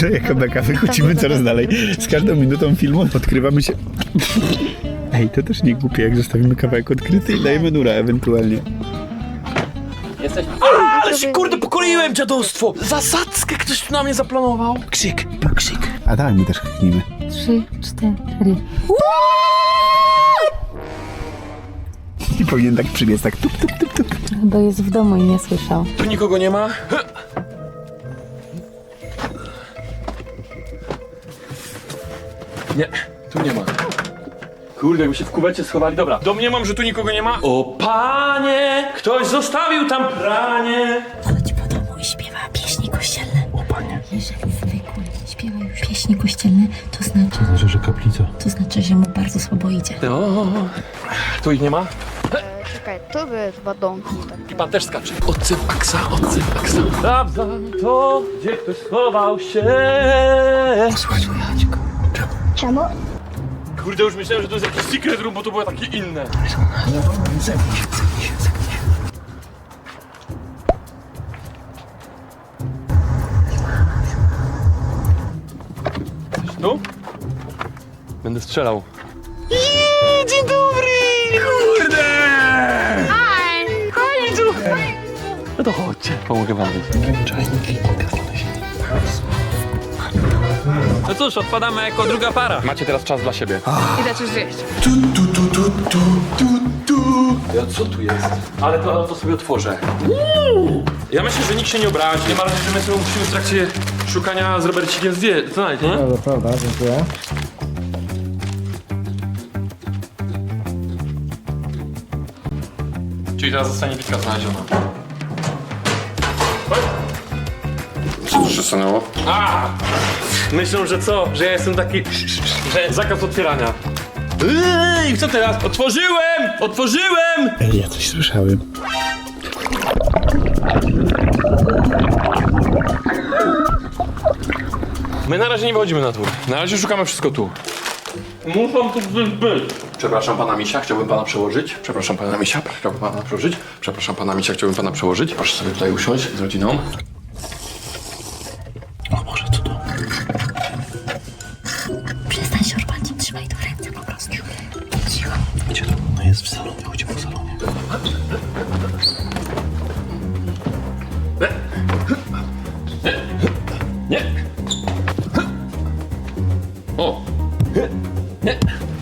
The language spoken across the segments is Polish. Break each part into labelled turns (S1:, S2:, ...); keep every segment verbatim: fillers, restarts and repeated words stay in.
S1: ogóle jaka beka, wychodzimy coraz dalej. Z każdą minutą filmu odkrywamy się... Ej, to też nie głupie, jak zostawimy kawałek odkryty i dajemy nura ewentualnie.
S2: Jesteś... A, ale się kurde pokoiłem, dziadostwo! Zasadzkę ktoś tu na mnie zaplanował. Krzyk, krzyk.
S1: A daj, my też kliknijmy.
S3: Trzy, cztery.
S1: I powinien tak przybiec, tak tup, tup, tup, tup.
S3: Chyba jest w domu i nie słyszał.
S2: Tu nikogo nie ma? Nie, tu nie ma. Kurde, jakby się w kuwecie schowali. Dobra, domniemam, że tu nikogo nie ma. O panie, ktoś zostawił tam pranie.
S3: Chodź po domu i śpiewa pieśni kościelne.
S2: O panie.
S3: Jeżeli zwykły śpiewa już pieśni kościelne, to znaczy...
S2: To znaczy, że kaplica.
S3: To znaczy, że mu bardzo słabo idzie.
S2: O, tu ich nie ma?
S4: Czekaj, to by chyba domki.
S2: I pan też skacze. Odsyp aksa, odsyp aksa. Sprawdzam to, gdzie ktoś schował się. Słuchaj, Chodźko. Czemu?
S4: Czemu?
S2: Kurde, już myślałem, że to jest jakiś secret room, bo to było takie inne.
S1: Zepnij się, zepnij się, zepnij się.
S2: Tu? Będę strzelał. Iii, dzień dobry! Kurde!
S4: Aj, chodź tu!
S2: No to chodźcie, pomogę wam być. Czajniki, no cóż, odpadamy jako druga para. Macie teraz czas dla siebie.
S4: Idę coś zjeść.
S2: Tu, tu, tu, tu, tu, tu, tu. Ja, co tu jest? Ale to, to sobie otworzę. Ja myślę, że nikt się nie obrazi. Nie ma razie, że my sobie musimy w trakcie szukania z Robercikiem zdjęć. Znaleźć, nie?
S5: Dobra, prawda, dziękuję.
S2: Czyli teraz zostanie bitka znaleziona. Co tu się stanęło? A! Myślą, że co? Że ja jestem taki... że zakaz otwierania. Ej, co teraz? Otworzyłem! Otworzyłem!
S1: Ej, ja coś słyszałem.
S2: My na razie nie wychodzimy na dwór. Na razie szukamy wszystko tu. Muszą tu gdzieś być. Przepraszam pana Misia, chciałbym pana przełożyć. Przepraszam pana Misia, chciałbym pana przełożyć. Przepraszam pana Misia, chciałbym pana przełożyć. Proszę sobie tutaj usiąść z rodziną. O Boże, co to?
S3: Przestań się orpać, trzymaj to w ręce po prostu. Cicho.
S2: Gdzie to? No jest w salonie, chodź po salonie. Nie. Nie. O. Nie.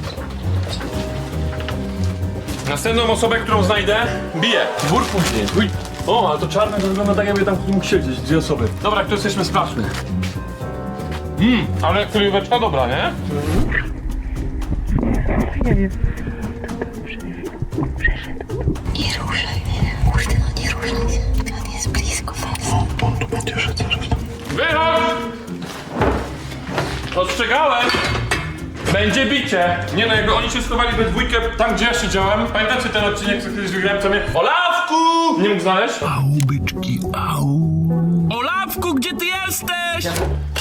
S2: Następną osobę, którą znajdę, biję. Dwór później. Uj. O, ale to czarne to wygląda tak, jakby tam ktoś mógł siedzieć. Dwie osoby. Dobra, kto jesteśmy, sprawdźmy. Mmm, ale kryweczka dobra, nie?
S3: Nie ruszaj mnie. Kurde, no nie ruszaj się. On jest blisko was.
S2: O, on tu będzie szedł zaraz. Wychodź! Ostrzegałem! Będzie bicie! Nie no, jakby oni się schowali we dwójkę tam, gdzie ja siedziałem. Pamiętacie ten odcinek, co kiedyś wygrałem, co mnie... Olawku! Nie mógł znaleźć?
S1: Au, byczki, au.
S2: Olawku, gdzie ty jesteś?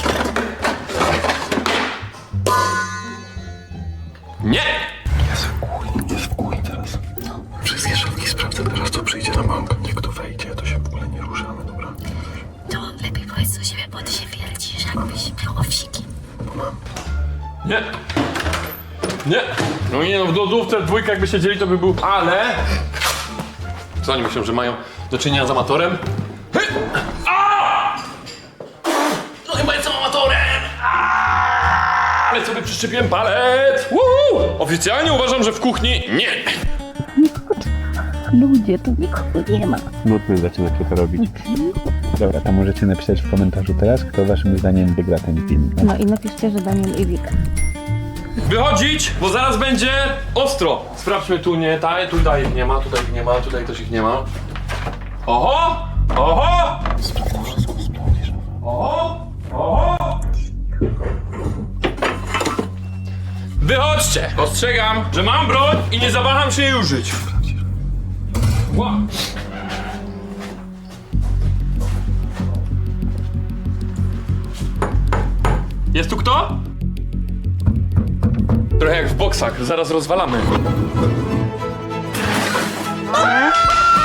S2: Nie!
S6: Jest w kuli, jest w kuli teraz. Wszystkie szafki sprawdzę, teraz to przyjdzie na bank. Jak to wejdzie, to się w ogóle nie ruszamy, dobra?
S3: To lepiej powiedz do siebie, bo ty się wiercisz, jakbyś miał owsiki.
S2: Nie! Nie! No nie no, w lodówce dwójka jakby siedzieli, to by był... Ale... Co oni myślą, że mają do czynienia z amatorem? Hy! A! No chyba jestem amatorem! A! Ale sobie przyczepiłem palec! Woohoo! Oficjalnie uważam, że w kuchni nie!
S3: Ludzie, tu nikogo nie ma.
S1: Nudny zaczynacie to robić. Dobra, to możecie napisać w komentarzu teraz, kto waszym zdaniem wygra ten film.
S3: No i napiszcie, że Daniel i Wika.
S2: Wychodzić, bo zaraz będzie ostro. Sprawdźmy tu, nie, ta, tutaj ich nie ma, tutaj ich nie ma, tutaj też ich nie ma. Oho! Oho! Oho! Oho! Wychodźcie! Ostrzegam, że mam broń i nie zawaham się jej użyć. Ła. Jest tu kto? Trochę jak w boksach, zaraz rozwalamy.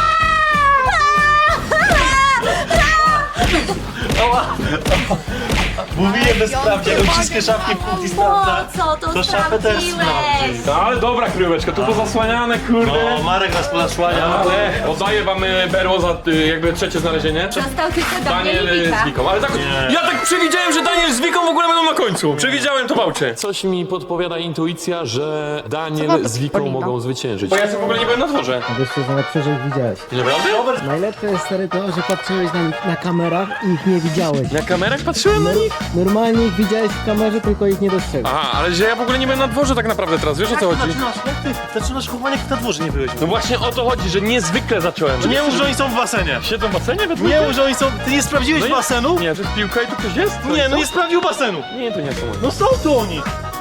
S2: Ała!
S5: Mówiłem, że sprawdzi, jak wszystkie szafki w kuchni sprawdza.
S7: Co to
S5: To szafę też sprawdzi.
S2: No, ale dobra kryjóweczka, tu pozasłaniane, kurde.
S5: No, Marek nas podasłania.
S2: Ale oddaję wam y, berło za y, jakby trzecie znalezienie.
S7: Został tylko
S2: Daniel
S7: Daniel
S2: y, z Wiką, ale tak,
S5: Nie.
S2: ja tak przewidziałem, że Daniel z Wiką w ogóle będą na końcu. Przewidziałem to, Bałcie.
S8: Coś mi podpowiada intuicja, że
S4: Co
S8: Daniel
S4: to
S8: z Wiką
S4: Polino?
S8: mogą zwyciężyć.
S2: Bo ja sobie w ogóle nie byłem na dworze.
S9: Wiesz co, najlepsze, że ich widziałeś.
S2: Naprawdę?
S9: Najlepsze jest stary to, że patrzyłeś na, na kamerach i ich nie widziałeś.
S2: Na kamerach patrzyłem na nich?
S9: Normalnie ich widziałeś w kamerze, tylko ich nie dostrzegłeś.
S2: Aha, ale że ja w ogóle nie byłem na dworze tak naprawdę teraz, wiesz o co chodzi?
S5: Zaczynasz, jak ty? Zaczynasz chowanie, jak na dworze nie byłeś.
S2: No właśnie o to chodzi, że niezwykle zacząłem.
S5: Nie mów, że oni są w basenie.
S2: Siedzą w basenie we
S5: Nie mów, że oni są... Ty nie sprawdziłeś
S2: No i-
S5: basenu?
S2: Nie, że jest piłka i tu ktoś jest? To
S5: Nie,
S2: jest
S5: no
S2: to?
S5: nie sprawdził basenu.
S2: Nie, to nie są oni.
S5: No są tu oni.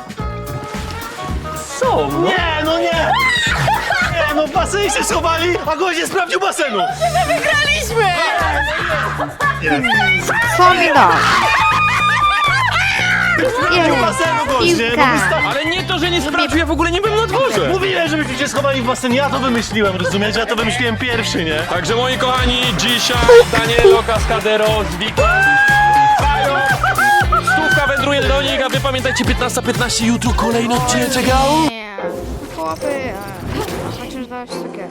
S2: Są, no.
S5: Nie, no nie. Nie, no w basenie się schowali, a gość nie sprawdził basenu.
S4: Co mi da?
S5: Sprawdził basenu gość, nie? No
S4: Piłka.
S5: wysta-
S2: Ale nie to, że nie sprawdził, ja w ogóle nie byłem na dworze.
S5: Mówiłem, żebyście się schowali w basenie, ja to wymyśliłem, rozumiecie? Ja to wymyśliłem pierwszy, nie?
S2: Także moi kochani, dzisiaj Danielo Cascadero z Wiką. Fajo. Stówka wędruje do nich, a wy pamiętajcie piętnasta piętnaście, jutro kolejny odcinek.
S4: Nie. Chłopy. e, Chociaż dać takie.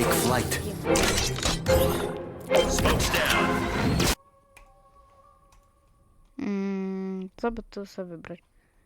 S4: Mm, co by tu sobie wybrać?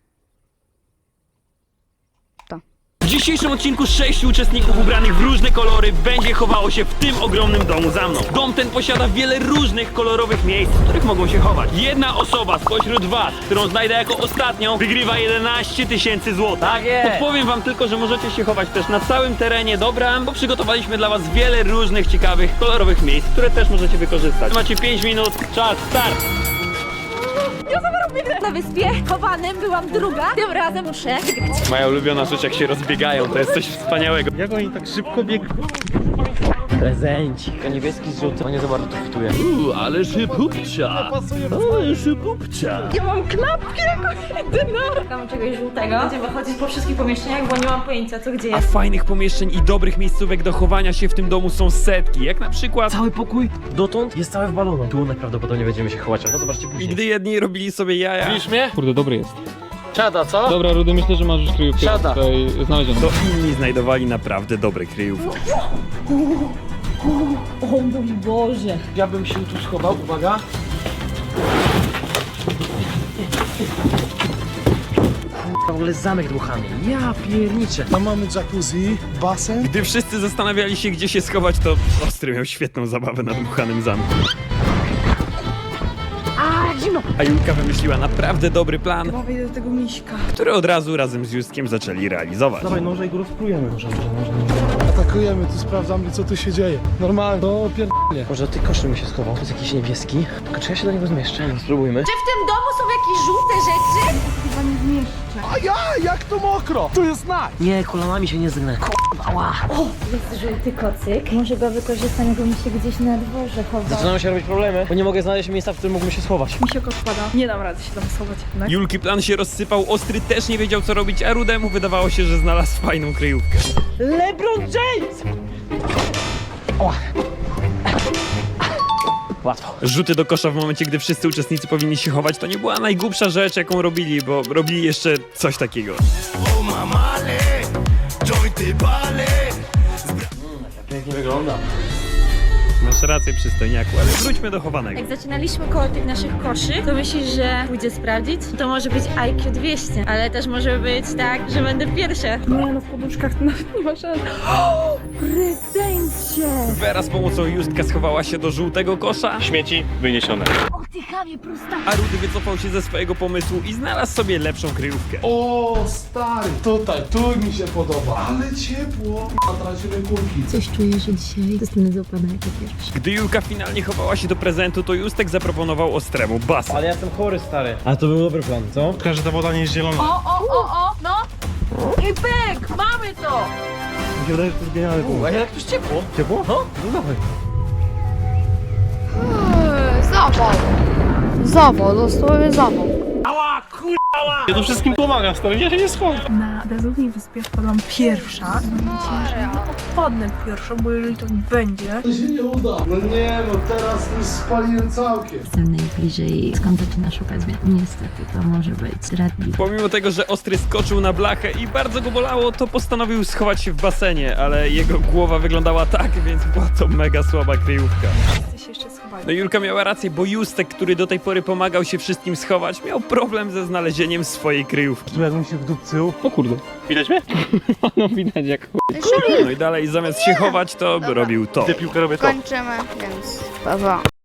S10: W dzisiejszym odcinku sześciu uczestników ubranych w różne kolory będzie chowało się w tym ogromnym domu za mną. Dom ten posiada wiele różnych kolorowych miejsc, w których mogą się chować. Jedna osoba spośród was, którą znajdę jako ostatnią, wygrywa jedenaście tysięcy złotych. Tak jest. Podpowiem wam tylko, że możecie się chować też na całym terenie dobra, bo przygotowaliśmy dla was wiele różnych ciekawych, kolorowych miejsc, które też możecie wykorzystać. Macie pięć minut, czas, start!
S7: Na wyspie chowanym byłam druga. Tym razem muszę wygrać.
S10: Moja ulubiona rzecz, jak się rozbiegają, to jest coś wspaniałego.
S5: Jak oni tak szybko biegną?
S9: Prezencik, a niebieski z żółtym, nie za bardzo to fituje.
S10: Uuu, ale szybupcia! Ale szybupcia!
S7: Ja mam klapki jako jedyna. Szukam czegoś żółtego. Będziemy chodzić po wszystkich pomieszczeniach, bo nie mam pojęcia co gdzie
S10: A
S7: jest.
S10: fajnych pomieszczeń i dobrych miejscówek do chowania się w tym domu są setki, jak na przykład...
S9: Cały pokój dotąd jest cały w balonach. Tu najprawdopodobniej będziemy się chować, ale to zobaczcie
S10: I
S9: później.
S10: gdy jedni robili sobie jaja,
S2: Widzisz mnie?
S11: Kurde, dobry jest.
S2: Siada, co?
S11: Dobra, Rudy, myślę, że masz już kryjówkę
S2: Siada.
S11: tutaj znalezioną.
S10: to inni znajdowali naprawdę dobre kryjówki.
S7: O mój Boże.
S2: Ja bym się tu schował, uwaga.
S9: W ogóle zamek dmuchany. Ja pierniczę.
S6: Tam mamy jacuzzi, basen.
S10: Gdy wszyscy zastanawiali się, gdzie się schować, to Ostry miał świetną zabawę na dmuchanym zamku.
S7: A, zimno.
S10: A Julka wymyśliła naprawdę dobry plan,
S4: Chyba wejdę do tego miśka.
S10: który od razu razem z Justkiem zaczęli realizować.
S5: Dawaj noże i go rozprujemy. Może, może, może.
S6: Atakujemy, tu sprawdzamy co tu się dzieje. Normalnie, to pier...
S9: Może ty koszy mi się schował. To jest jakiś niebieski. Tylko czy ja się do niego zmieszczę? No, spróbujmy.
S7: Czy w tym domu są jakieś żółte rzeczy?
S6: A ja, jak to mokro! Tu jest naj!
S9: Nie, kolanami się nie zgnę. Ała.
S7: Jest żółty kocyk. Może go wykorzystam, jakbym się gdzieś na dworze chował.
S9: Zaczynają się robić problemy, bo nie mogę znaleźć miejsca, w którym mógłbym się schować.
S4: Mi się odpada. Nie dam rady się tam schować jednak.
S10: Julki plan się rozsypał, Ostry też nie wiedział co robić, a Rudemu wydawało się, że znalazł fajną kryjówkę.
S9: LeBron James! Łatwo.
S10: Rzuty do kosza w momencie, gdy wszyscy uczestnicy powinni się chować, to nie była najgłupsza rzecz, jaką robili, bo robili jeszcze coś takiego.
S9: Pięknie wygląda.
S10: Masz rację, przystojniaku, ale wróćmy do chowanego.
S7: Jak zaczynaliśmy koło tych naszych koszy, to myślisz, że pójdzie sprawdzić? To może być I Q dwieście, ale też może być tak, że będę pierwsza.
S4: Nie no, w poduszkach to nawet nie ma szans.
S7: Prezencie!
S10: Wera z pomocą Justka schowała się do żółtego kosza,
S5: Śmieci wyniesione.
S7: Oddychamy prosta.
S10: a Rudy wycofał się ze swojego pomysłu i znalazł sobie lepszą kryjówkę.
S6: O, stary, tutaj, tu mi się podoba. Ale ciepło. Tracimy kulki.
S3: Coś czuję, że dzisiaj zostanę złapana jako pierwsza.
S10: Gdy Julka finalnie chowała się do prezentu, to Justek zaproponował Ostremu basen.
S9: Ale ja jestem chory, stary. A to był dobry plan, co?
S5: Tylko, że ta woda nie jest zielona.
S7: O, o, o, o, no! I pyk! Mamy to!
S5: Mi się wydaje, że to jest genialny pomysł.
S9: A jak tu jest ciepło?
S5: Ciepło?
S9: No, no dawaj.
S4: Eee, Zawał. Zawał, dosłownie zawał.
S9: Ała, kur...
S5: Ja tu wszystkim pomagam, stary, ja się nie schowam.
S4: Na bezludnej wyspie wpadłam pierwsza. Wpadnę pierwszą, bo jeżeli to będzie...
S6: To się nie uda. No nie, no teraz już spaliłem całkiem.
S3: Jestem najbliżej, skąd zaczyna szukać mnie. Niestety, to może być zdradliwe.
S10: Pomimo tego, że Ostry skoczył na blachę i bardzo go bolało, to postanowił schować się w basenie, ale jego głowa wyglądała tak, więc była to mega słaba kryjówka.
S4: Chcę się jeszcze schować.
S10: No Julka miała rację, bo Justek, który do tej pory pomagał się wszystkim schować, miał problem ze znalezieniem swojej kryjówki.
S5: Tu jakbym się wdupcył.
S11: O kurde.
S5: Widać mnie?
S11: No widać jak
S10: No i dalej zamiast się chować, to robił to.
S5: Te piłkę robię to.
S4: Kończymy, więc pa, pa.